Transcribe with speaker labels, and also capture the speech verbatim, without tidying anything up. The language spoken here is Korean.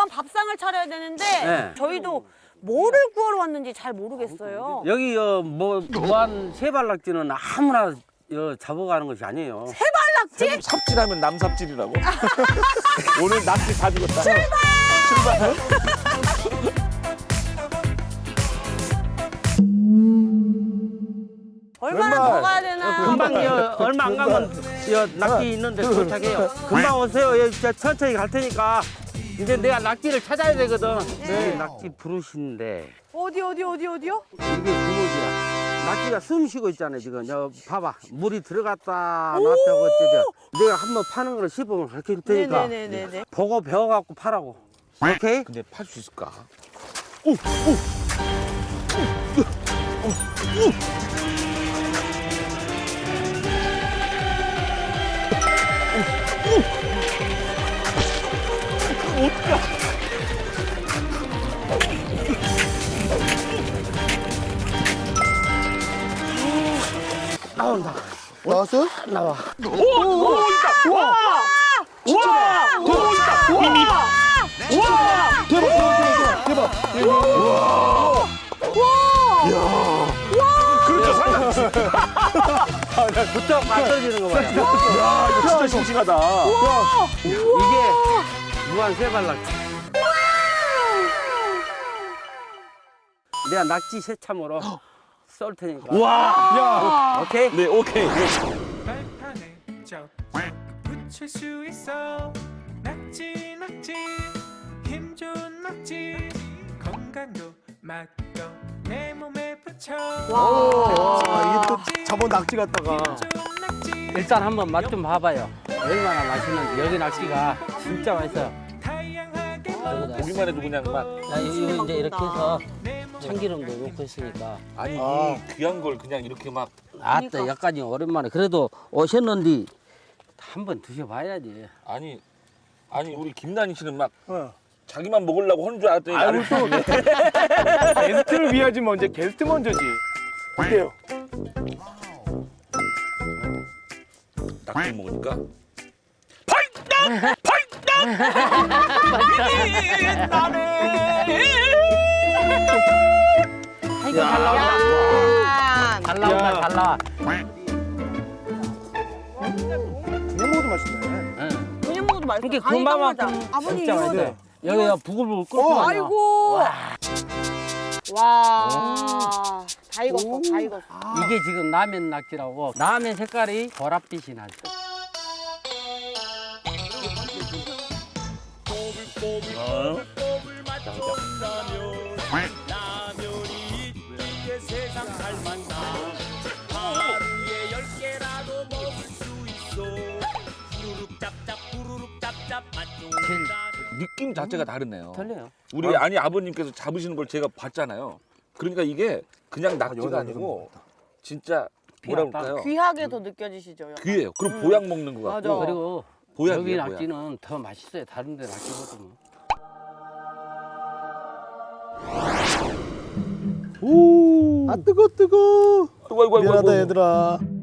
Speaker 1: 밥상을 차려야 되는데
Speaker 2: 네.
Speaker 1: 저희도 뭐를 구하러 왔는지 잘 모르겠어요.
Speaker 2: 여기 어, 뭐 무한 세발낙지는 아무나 어, 잡아가는 것이 아니에요.
Speaker 1: 세발낙지?
Speaker 3: 삽질하면 남삽질이라고? 오늘 낙지 다 죽었다.
Speaker 1: 출발!
Speaker 3: 출발!
Speaker 1: 얼마나
Speaker 3: 왼발.
Speaker 1: 더 가야 되나?
Speaker 2: 금방 여, 얼마 안 가면 여, 낙지 있는데 도착해요. 금방 오세요. 여기 저 천천히 갈 테니까. 이제 내가 낙지를 찾아야 되거든. 여기 낙지 부르신데
Speaker 1: 어디 어디 어디 어디요?
Speaker 2: 이게 부르지야. 낙지가 숨 쉬고 있잖아요 지금. 저 봐봐 물이 들어갔다 나왔다고 어쩌죠. 내가 한번 파는 거를 시범을 가르쳐 줄 테니까
Speaker 1: 네네네네.
Speaker 2: 보고 배워갖고 파라고. 오케이?
Speaker 3: 근데 팔 수 있을까?
Speaker 2: 나온다.
Speaker 4: 나왔어?
Speaker 2: 나와.
Speaker 3: 오! 있다! 와! 와! 더 있다! 와! 와!
Speaker 4: 대박, 대박, 대박, 대박.
Speaker 3: 그렇죠, 상당히.
Speaker 2: 부쩍 맞춰지는 거 봐요.
Speaker 3: 야, 이거 진짜 싱싱하다.
Speaker 2: 이게 무한 세발낙지. 내가 낙지 새참으로 썰 테니까.
Speaker 3: 와!
Speaker 4: 야,
Speaker 2: 오케이?
Speaker 3: 네, 오케이.
Speaker 5: 발판에 쩍쩍 붙일 수 있어. 낙지 낙지 힘 좋은 낙지 건강도 맛도 내 몸에 붙여.
Speaker 4: 와, 이게 또 저번 낙지 갖다가.
Speaker 5: 힘 좋은 낙지
Speaker 2: 일단 한번 맛 좀 봐봐요. 얼마나 맛있는지. 여기 낙지가 진짜 맛있어요.
Speaker 5: 다양하게
Speaker 3: 보기만 해도 그냥 막.
Speaker 2: 야, 이거 이제 이렇게 해서 참기름도 넣고 있으니까.
Speaker 3: 아니,
Speaker 4: 아.
Speaker 3: 이 귀한 걸 그냥 이렇게 막.
Speaker 2: 아따, 약간 오랜만에. 그래도 오셨는데 한번 드셔봐야지.
Speaker 3: 아니, 아니, 우리 김난희 씨는 막
Speaker 4: 어.
Speaker 3: 자기만 먹으려고 하는 줄 알았더니.
Speaker 4: 아이고,
Speaker 3: 나를
Speaker 4: 또 게스트를 위하지 먼저 게스트 먼저지. 어때요?
Speaker 3: 낙지 먹으니까. 팔당! 팔당!
Speaker 2: 아이고, 잘 나온다.
Speaker 1: 야,
Speaker 2: 잘 나온다,
Speaker 4: 야.
Speaker 2: 잘 나와.
Speaker 4: 그냥 먹어도 맛있네.
Speaker 2: 응.
Speaker 1: 그냥 먹어도 맛있어.
Speaker 2: 이게
Speaker 1: 간이 딱 맞아.
Speaker 2: 금방만큼
Speaker 1: 아버님
Speaker 2: 진짜
Speaker 1: 이거.
Speaker 2: 맛있어요. 여기가 부글부글 끓고
Speaker 4: 어,
Speaker 2: 나요.
Speaker 1: 아이고. 와. 다 익었어. 다 익었어.
Speaker 2: 이게 지금 라면 낙지라고. 라면 색깔이 보랏빛이 나죠. 제일
Speaker 3: 느낌 자체가 다르네요.
Speaker 2: 틀려요.
Speaker 3: 우리 아니 아버님께서 잡으시는 걸 제가 봤잖아요. 그러니까 이게 그냥 낙지가
Speaker 4: 여기다
Speaker 3: 아니고 진짜 뭐라
Speaker 2: 비약간.
Speaker 3: 그럴까요?
Speaker 1: 귀하게 더 느껴지시죠? 약간?
Speaker 3: 귀해요. 그럼 보약 먹는 것
Speaker 1: 맞아.
Speaker 3: 같고.
Speaker 2: 그리고
Speaker 3: 보약이에요,
Speaker 2: 여기
Speaker 3: 보약.
Speaker 2: 낙지는 더 맛있어요. 다른 데 낙지보다는.
Speaker 4: 아, 뜨거, 뜨거.
Speaker 3: 아이고, 아이고, 아이고,
Speaker 4: 미안하다,
Speaker 3: 아이고.
Speaker 4: 얘들아.